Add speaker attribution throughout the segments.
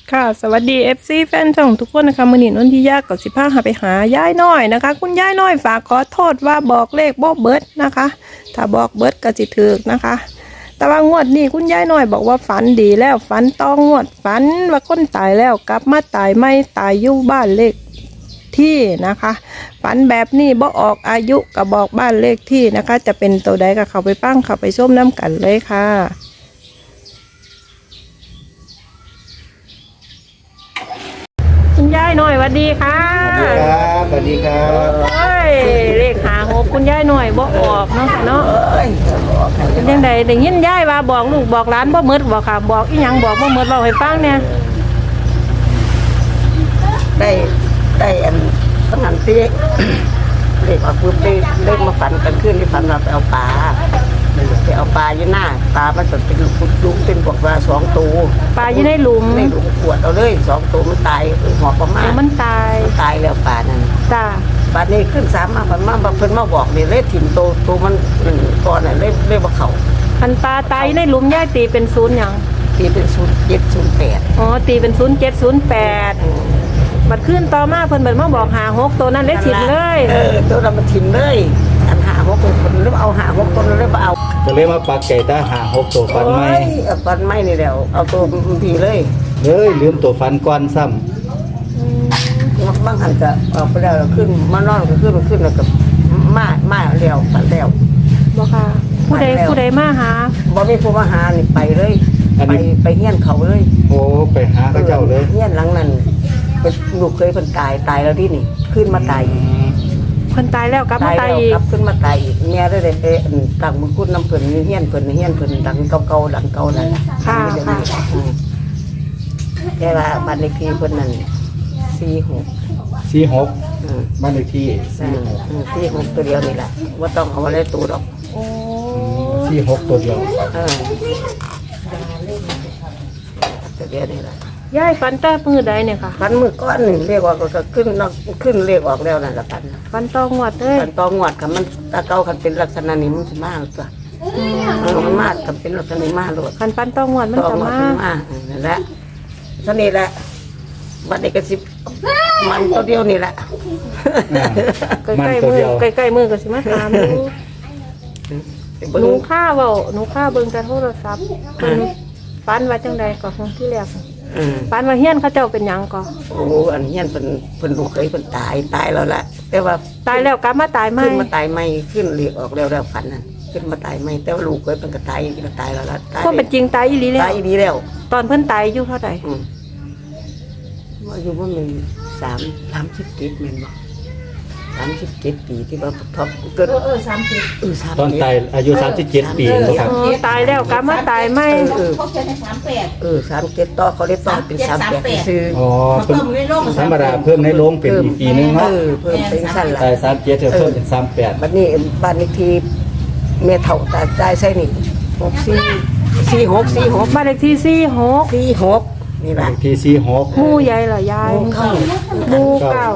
Speaker 1: ค่ะสวัสดี FC แฟนช่องทุกคนนะคะมื้อนี้นนทิยากับสิพาไปหายายน้อยนะคะคุณยายน้อยฝากขอโทษว่าบอกเลขบ่เบิดนะคะถ้าบอกเบิดก็สิถูกนะคะแต่ว่างวดนี้คุณยายน้อยบอกว่าฝันดีแล้วฝันต้องงวดฝันว่าคนตายแล้วกลับมาตายไม่ตายอยู่บ้านเลขที่นะคะฝันแบบนี้บ่ออกอายุก็บอกบ้านเลขที่นะคะจะเป็นตัวใดก็เข้าไปฟังเข้าไปชมน้ำกันเลยค่ะคุณยายหน่อยสวัสดีค่ะ
Speaker 2: สวัสดีครับ
Speaker 1: เอ้ยเลข56คุณยายหน่อยบ่ออกเนาะค่ะเนาะเป็นจังไดได้ยินยายว่าบอกลูกบอกหลานบ่หมดบ่ค่ะบอกอีหยังบอกบ่หมดเล่าให้ฟังเนี่ย
Speaker 3: ได้อันขนาดที่เด็กออกปุ๊บได้เล่นมาฝันกันขึ้นที่ฝันเราไปเอาปลาอยู่หน้าปลามันเป็นลุกเป็นบอกว่า2 ตัว
Speaker 1: ปลาอยู่ในหลุม
Speaker 3: ในหลุมขวดเอาเลย2 ตัวมันตายหอบประมาณ
Speaker 1: มันตาย
Speaker 3: แล้วปลานั่น
Speaker 1: จ้า
Speaker 3: ปลานี้ขึ้น3มาเพิ่นมาบอกนี่เลยถิ่มตัวมันก่อนน่ะเลยบ่เข้า
Speaker 1: คันปลาตายในหลุมยายตีเป็น0หยัง
Speaker 3: ตีเป็น0708
Speaker 1: อ๋อตีเป็น0708บัดขึ้นต่อมาเพิ่นเบิดมาบอก56ตัวนั้นเลขถิดเลย
Speaker 3: ตัวนั้นมันถิ่มเลยอัน56ตัวคนเลยเอา56ตัวเลยบ่เอา
Speaker 2: จะเลยมาปักไก่ตาหา6ตัวฟันไหม
Speaker 3: เอาฟันไหมนี่แล้วเอาตัวผีเลย
Speaker 2: ลืมตัวฟันก้อนซ้
Speaker 3: บางหันก็ออกไปแล้วขึ้นมานอนก็ขึ้นแล้วก็มาแล้วฝันแล้ว
Speaker 1: บ่ค่ะผู้ใดมาหา
Speaker 3: บ่มีผู้มาหานี่ไปเลยไปเฮียนเขาเลย
Speaker 2: ำโอ้ไปหาเขาเจ้าเลย
Speaker 3: เฮียนหลังนั้นเป็นลูกเคยเพิ่นตายแล้วที่นี่ขึ้นมาตายอีก
Speaker 1: เพิ่นตายแล้วกลับมาตาย
Speaker 3: แล้ว
Speaker 1: อีก
Speaker 3: กลับขึ้นมาตายอีกแม่ได้ไปตั้งมือคุณน้ำเพิ่นเฮียนเพิ่นดังเก่าๆดังเก่านั่น
Speaker 1: ค่ะ
Speaker 3: แต่ว่าบ้านเลขที่เพิ่นนั่น46
Speaker 2: 46บ้านเลขที่
Speaker 3: 46ตัวเดียวนี่แหละว่าต้องเอาอะไรตัวดอก
Speaker 1: โอ้
Speaker 2: 46ตัวเดียว
Speaker 3: ตัวเดียวนี่แหละ
Speaker 1: ยายฝันแต่มื้อใดเนี่ยค่ะ
Speaker 3: พันมือก้อนหนึ่งเรียกว่าก็ขึ้นเรียกออกแล้วนั่นละพัน
Speaker 1: ฝันต้องงวดเด้ย
Speaker 3: พันตองวดค่ะมันตาเก่าคันเป็นลักษณะนี้มันจะมากจ้ะมันมากคันเป็นลักษณะนี้มากเลย
Speaker 1: คันฝันต้องงวดมัน
Speaker 3: ตอง
Speaker 1: จะ
Speaker 3: วด
Speaker 1: มา
Speaker 3: มันมากนั่นแหละสนิทแหละบัดเด็กกระสิบมันตัวเดียวนี่แหละ
Speaker 1: ใกล้ๆมือใกล้ๆมือก็สิมาถามดูหนูค่าเว้าหนูค่าเบิ่งแต่โทรศัพท์เพิ่นฝันว่าจังใดก็คงที่แรกฝันว่าเฮียนเขาเจ้าเป็นหยังก็
Speaker 3: โอ้อันนี้เพิ่นลูกเคยเพิ่นตายแล้วแหละแต่ว่า
Speaker 1: ตายแล้วกลับมาตายใหม่
Speaker 3: ขึ้นมาตายไม่ขึ้นเรียกออกแล้วฝันนั่นขึ้นมาตายไม่แต่ว่าลูกเคยเป็นก็ตายแล้วละตาย
Speaker 1: ก็เป็นจริงตายอีหลีแล้ว
Speaker 3: ตายดีแล้ว
Speaker 1: ตอนเพิ่นตายอายุเท่าใด
Speaker 3: อายุว่ามัน37แม่นบ่37 ปีที่ว่าท็อปเกิด37
Speaker 2: ตอนตายอายุ37 ปีนะครับ
Speaker 1: ตายแล้วกลับมาตายใหม่
Speaker 3: 37ต่อเขาได้ต่อเป็น38ซื้อ
Speaker 2: อ๋อเป็นธรรมดาเพิ่มในโรงเป็นอีกปีนึงเนาะ
Speaker 3: เพิ่มเป็นสั้นละ
Speaker 2: ตาย37เพิ่มเป็น38
Speaker 3: บัดนี้บ้านเลขที่แม่เฒ่าตายใส่นี่46
Speaker 1: บ้านเลขที่
Speaker 3: 46นี่
Speaker 2: บ้า
Speaker 3: ล่ะ
Speaker 2: นเลขที่46
Speaker 1: หมู่ใหญ่เหรอยายหมู่เก่า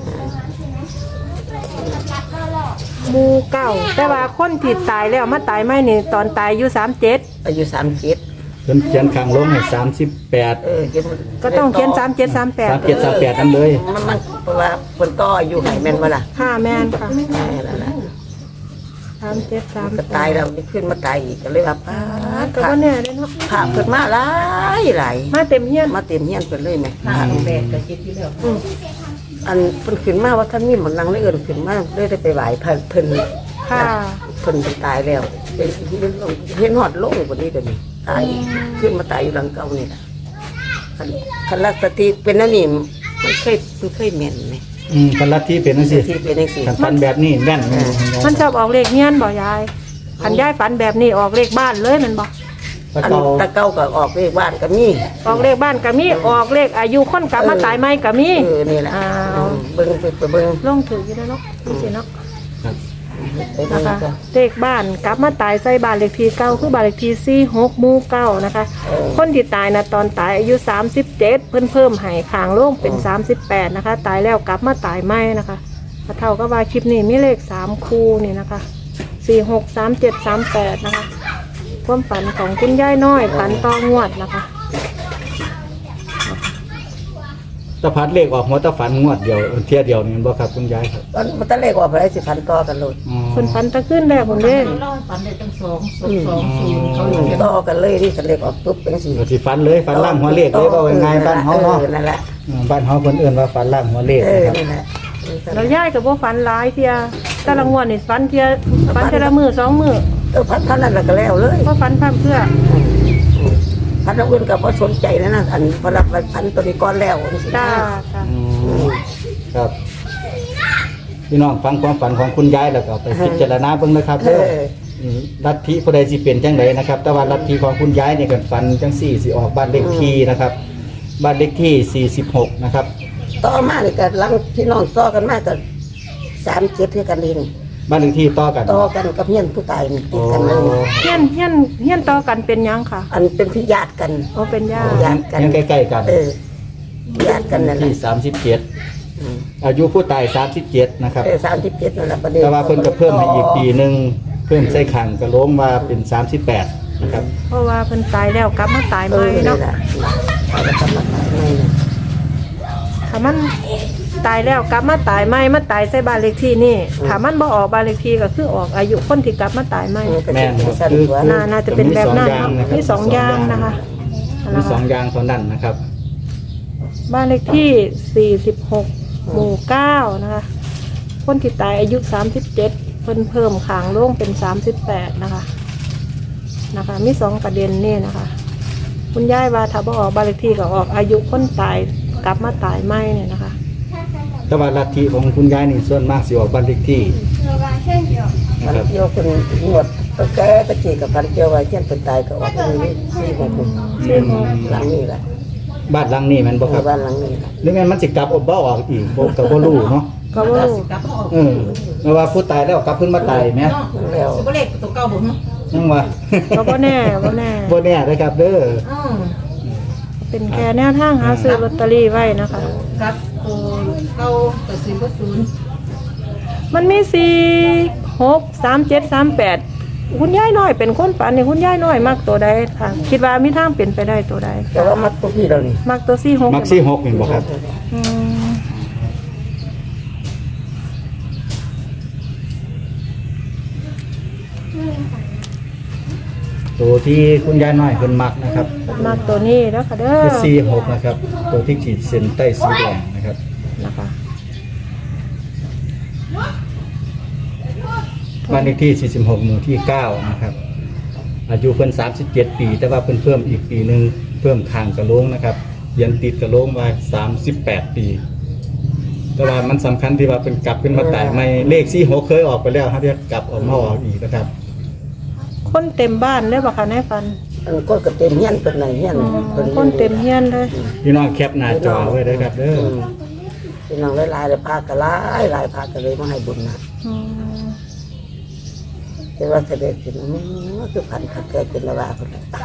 Speaker 1: หมู่เก่าแต่ว่าคนที่ตายแล้วมาตายใหม่นี่ตอนตายอายุ37
Speaker 3: อายุ37
Speaker 2: เพิ่นเขียนข้างลงให้38
Speaker 1: ก็ต้องเขียน37 38
Speaker 2: 38นั่นเลย
Speaker 3: มันเพราะว่าคนต่ออายุให้แม่นบ่ล่ะ
Speaker 1: ค่ะแม่นค่ะ
Speaker 3: นั่นล่ะ
Speaker 1: 37
Speaker 3: ก็ตายแล้วขึ้นมาตายอีกก็เลยว่าป้า
Speaker 1: ก็ว่าเนี่ยเนาะ
Speaker 3: พาเพิ่นมาหลาย
Speaker 1: มาเต็มเฮียน
Speaker 3: มาเต็มเฮียนเพิ่นเลยแม่พาแม่ก็คิดอยู่แล้วอันเพิ่นขึ้นมาว่าท่านมีหมอนนางเลยเอิ้นขึ้นมาเลยได้ไปไหว้เพิ่น
Speaker 1: ค่ะ
Speaker 3: เพิ่นตายแล้วเป็นเห็นหอดโลงกว่านี้เดี๋ยวนี้ตายขึ้นมาตายอยู่หลังเก่านี่ล่ะคันลักสติเป็นนั่นนี่มันเคยแม่นไหม
Speaker 2: กันลัทธิเป็นจังซี่
Speaker 3: ที่เป็นจังซี่
Speaker 2: คันฟันแบบนี้แม่น
Speaker 1: มันชอบออกเลขเฮียนบ่ยายคันยายฝันแบบนี้ออกเลขบ้านเลยแมันบ่
Speaker 2: ตะ
Speaker 3: อัน
Speaker 2: เกา
Speaker 3: ตะเก้าก็ออกเลขบ้านก็มี
Speaker 1: ออกเลขบ้านก็มีออกเลขอายุคนกลับมาตายใหม่ก็มี
Speaker 3: นี่แหละ
Speaker 1: อ้าว
Speaker 3: เบิ่งไปเบิ่ง
Speaker 1: ลงถืออยู่แล้วเนาะนี่สิเนาะ
Speaker 3: ไปเบิ่
Speaker 1: นะ
Speaker 3: ง
Speaker 1: คะเลขบ้านกลับมาตายใส่บ้านเลขที่เก้าคือบ้านเลขที่46หมู่9นะคะ คนที่ตายนะตอนตายอายุ37เพิ่มให้ข้างโล่งเป็น38นะคะ ตายแล้วกลับมาตายใหม่นะคะเท่ากับว่าคลิปนี้มีเลข3คู่นี่นะคะ46 37 38นะคะความฝันของคุณยายน้อยฝันต่องวดนะคะ
Speaker 2: ตะพัดเลขออกหัวตะฝันงวดเดียวเที่ยเดียวนี่บ่ครับคุณยายครับ
Speaker 3: มันตะเลขออกไปได้สิพันต่อกันเลย
Speaker 2: อ๋อ
Speaker 1: เพิ่นฝันตะขึ้นแรกผมเด้
Speaker 4: เล่าให้ฝันได้ตั้ง2 เขาอยู่
Speaker 3: ต่อกันเลยที่ตะเลขออกปุ๊บเป็นสิ
Speaker 2: ก็สิฝันเลยฝันล่างหัวเลขเลยว่าง่ายๆบ้านเฮาเนาะ
Speaker 3: นั่นแหละ
Speaker 2: บ้านเฮาเพิ่นเอิ้นว่าฝันล่างหัวเลข นะครับ
Speaker 3: นั่นแหละ
Speaker 1: แล้วยายก็บ่ฝันหลายเที่ยแต่ละงวดนี่ฝันเที่ยฝันแต่ละมื้อ2มื้อ
Speaker 3: พันนั่นแหละก็แล้วเลย
Speaker 1: บ่ฝันพร่ำเพื่อ
Speaker 3: พันอื่นก็บ่สนใจนะอันพอรับพันตัวนี้ก่อนแล้ว
Speaker 1: จ้าจ้า
Speaker 2: อืมครับพี่น้องฟังความฝันของคุณยายแล้วก็ไปพิจารณาเบิ่งนะครับเด้อลัทธิผู้ใดสิเป็นจังไดนะครับ แต่ว่าลัทธิของคุณยายนี่ก็ฝันจังซี่สิออกบ้านเลขที่นะครับ บ้านเลขที่46นะครับ
Speaker 3: ต่อมานี่ก็หลังพี่น้องต่อกันมาก็37คือกันเอง
Speaker 2: บ้านเลขที่ต่อกัน
Speaker 3: ต่อกันกับเฮียนผู้ตายนี่ติ
Speaker 2: โอ้
Speaker 3: ดกันเลย
Speaker 1: เฮียนต่อกันเป็นหยังค่ะ
Speaker 3: อันเป็นพี่ญาติกัน
Speaker 1: โอ้เป็นญาติ
Speaker 3: ญาติกัน
Speaker 2: ยังใกล้ๆกัน
Speaker 3: ญาติกันนั่นแหละ
Speaker 2: ที่37อายุผู้ตาย37นะครับ
Speaker 3: 37นั่นแหละประเด็น
Speaker 2: แต่ว่าเพิ่นก็เพิ่มให้อีกปีหนึงเพิ่มใส่ขังกระโหลงมาเป็น38นะครับ
Speaker 1: เพราะว่าเพิ่นตายแล้วกลับมาตายใหม่เนาะ
Speaker 3: แล้วก็มาตายใหม่เนี่ย
Speaker 1: ถ้ามันตายแล้วกลับมาตายใหม่มาตายใส่บ้านเลขที่นี่ถ้ามันบ่ออกบ้านเลขที่ก็คือออกอายุคนที่กลับมาตายใหม่
Speaker 2: แม่นครับ
Speaker 3: สั้น
Speaker 2: คือ
Speaker 3: กว่า
Speaker 1: น่าจะเป็นแบบนั้นเนาะมีสองอย่างนะคะ
Speaker 2: มีสองอย่างเท่านั้นนะครับ
Speaker 1: บ้านเลขที่ 46 หมู่ 9 นะคะ คนที่ตายอายุ 37 เพิ่นเพิ่มขางโล่งเป็น 38 นะคะ มีสองประเด็นนี่นะคะ คุณยายว่าถ้าบ่ออกบ้านเลขที่ก็ออกอายุคนตายกลับมาตายไม่เนี่ยนะคะ
Speaker 2: แต่ว่าลัทธิของคุณยายนี่ส่วนมากสิออกบ้านเลขที่นะ
Speaker 3: พัน
Speaker 2: ครับ
Speaker 3: เกี่ยวคนหนวดก็แก่ก็จีกับพันเกี่ยวไว้เช่นเป็นตายก็ออกไปเลย4 หลังนี่แหละ
Speaker 2: บ้านหลังนี้แมันบ่ครับ
Speaker 3: บ้านหลังนี้แหละ
Speaker 2: หรือแม่นมันสิกลับบ่ออกอีกบ่ก็บ่รู้เนาะ
Speaker 1: ก็บ่รู้
Speaker 4: กลับมาออก
Speaker 2: เพราะว่าผู้ตายแล้วกลับขึ้นมาตายแหม
Speaker 3: แล้ว
Speaker 4: สิบ่เลขตัวเก่าบ่ฮะ
Speaker 2: ยังว่า
Speaker 1: ก็บ่แน่บ่แน่
Speaker 2: บ่แน่เด้อครับเด้อ
Speaker 1: เป็นแค่แนวทางหาซื้อลอตเตอรี่ไว้นะคะ
Speaker 4: ครับตัวเก่าก็สิบ่0
Speaker 1: มันมี4 6 3 7 3 8คุณยายน้อยเป็นคนฝันนี่คุณยายน้อยมักตัวใดค่ะ คิดว่ามีทางเป็นไปได้ตัวใด
Speaker 3: แต่ว่ามัดตัวพี่เรานี่
Speaker 1: มักตัว4 6
Speaker 2: มักซี่6นี่บ่ครับ
Speaker 1: อืม
Speaker 2: ตัวที่คุณยายน้อยเพิ่นมักนะครับ
Speaker 1: มักตัวนี้แล้วค่ะเด้อ
Speaker 2: คือ46นะครับ ตัวที่ขีดเส้นใต้สีแดงนะครับ
Speaker 1: นะคะ
Speaker 2: บ้านเลขที่ 46 หมู่ที่ 9 นะครับ อายุเพิ่น37 ปี แต่ว่าเพิ่นเพิ่มอีกปีหนึงเพิ่มข้างกระโหลงนะครับยังติดกระโหลงมา38 ปี แต่ว่ามันสำคัญที่ว่าเป็นกลับขึ้นมาตายใหม่เลข46เคยออกไปแล้วครับเดี๋ยวกลับออกมาออกอีกนะครับ
Speaker 1: คนเต็มบ้านเลยบ่คะนายฟัน
Speaker 3: อันก็เต็มเฮียนเป็นไหนเฮียนเป็น
Speaker 1: คนเต็มเฮียนเลย
Speaker 2: พี่น้องแคปหน้าจอไว้เด้อครับเด้อ
Speaker 3: พี่น้องหลายๆเลยพากันหลายพากันเลยมาให้บุญนะ
Speaker 1: อืม
Speaker 3: แต่ว่าเสด็จถึงคือพันขัดแก่เป็นละว่าคน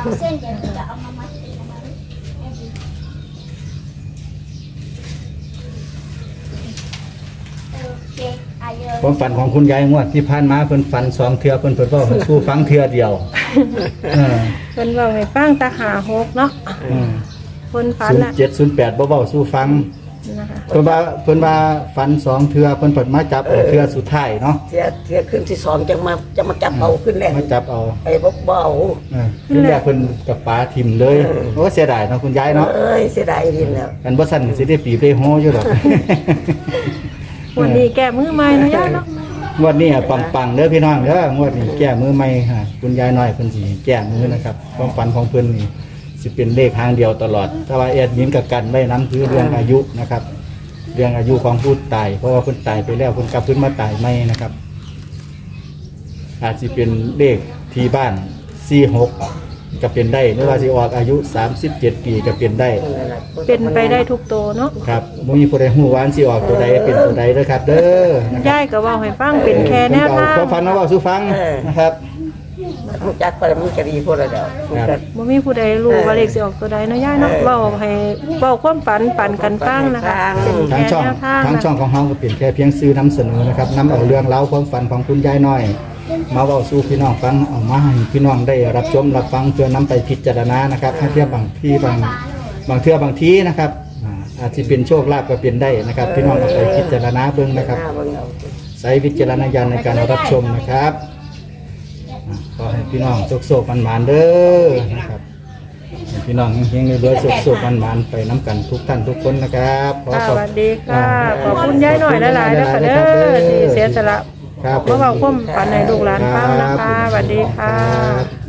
Speaker 2: ความฝันของคุณยายงวดที่ผ่านมาเพิ่นฝัน2เทื่อเพิ่นเว้าให้สู้ฟังเทื่อเดียวเออ
Speaker 1: เพิ่นเว้าให้ฟังตาหา6เนาะเพิ่นฝันน่ะ
Speaker 2: 07 08บ่เว้าสู้ฟัง
Speaker 1: นะคะ
Speaker 2: เพิ่นว่าฝัน2เทื่อเพิ่นเปิดมาจับเอาเทื่อสุดท้ายเนาะ
Speaker 3: เทียขึ้นที่2จะมาจับเอาขึ้นแรก
Speaker 2: มาจับเอา
Speaker 3: ไอ้บ่เบา
Speaker 2: ขึ้นแรกเพิ่นกับป๋าทิ่มเลยโอ้เสียดายเนาะคุณยายเนาะ
Speaker 3: เอ้ยเสียดายดินแล้ว
Speaker 2: กันบ่สั่นสิได้ปีได้โฮอยู่ดอก
Speaker 1: วันนี้แก้มือใหม่เนาะยายเนาะ
Speaker 2: งวดนี้ปังๆเด้อพี่น้องเด้องวดนี้แก้มือใหม่ค่ะคุณยายน้อยเพิ่นสิแก้มือนะครับความฝันของเพิ่นนี่สิเป็นเลขทางเดียวตลอดแต่ว่าแอดมินกับกันไว้นํคือเรื่องอายุนะครับ เรื่องอายุของผู้ตายเพราะว่าเพิ่นตายไปแล้วเพิ่นกลับขึ้นมาตายใหม่นะครับ อาจสิเป็นเลขที่บ้าน46ก็เป็นได้หรือว่าสิออกอายุ 37 ปีก็เป็นได้
Speaker 1: เป็นไปได้ทุกตัวเนาะ
Speaker 2: ครับบ่มีผู้ใดฮู้ว่าอันสิออกตัวใดเป็นตัวใดเด้อครับ เด้อนะครับ
Speaker 1: ยายก็เว้าให้ฟังเป็นแค่แนวทาง
Speaker 2: ก็ฟันมาเว้าสู่ฟังนะครับ
Speaker 3: รู้จักไปมันจะดีพวกเราเดียว
Speaker 1: บ่มีผู้ใดรู้ว่าเลขสิออกตัวใดเนาะยายเนาะเว้าให้เว้าความฝันปันกันฟังนะคะเป็น
Speaker 2: ทาง
Speaker 1: แค่
Speaker 2: ช่อง
Speaker 1: แนวทาง
Speaker 2: ทางช่องของเฮาก็เป็นแค่เพียงสื่อนำเสนอนะครับนำเอาเรื่องราวความฝันของคุณยายน้อย มาเว้าสู่พี่น้องฟังเอามาให้พี่น้องได้รับชมรับฟังเพื่อนำไปพิจารณานะครับถ้าเทียบบางที่บางเทื่อบางทีนะครับอาจจะเป็นโชคลาภก็เป็นได้นะครับ พี่น้องเอาไปพิจารณาเบิ่งนะครับ
Speaker 3: หน้าเบิ่งเอา
Speaker 2: ใช้วิจารณญาณในการรับชมนะครับขอให้พี่น้องโชคๆมันๆเด้อนะครับให้พี่น้องเฮงๆรวยๆโชคๆมันๆไปน้ำกันทุกท่านทุกคนนะครับขอ
Speaker 1: ค่ะ
Speaker 2: ข
Speaker 1: ส
Speaker 2: อบ
Speaker 1: วัสดีค่ะขอบคุณยายหน่อยหลายๆนะคะเด้อที่เสียสละ
Speaker 2: ครับ
Speaker 1: มาเบาความฝันในลูกหลานฟังนะคะสวัสดีค่ะ
Speaker 2: รับ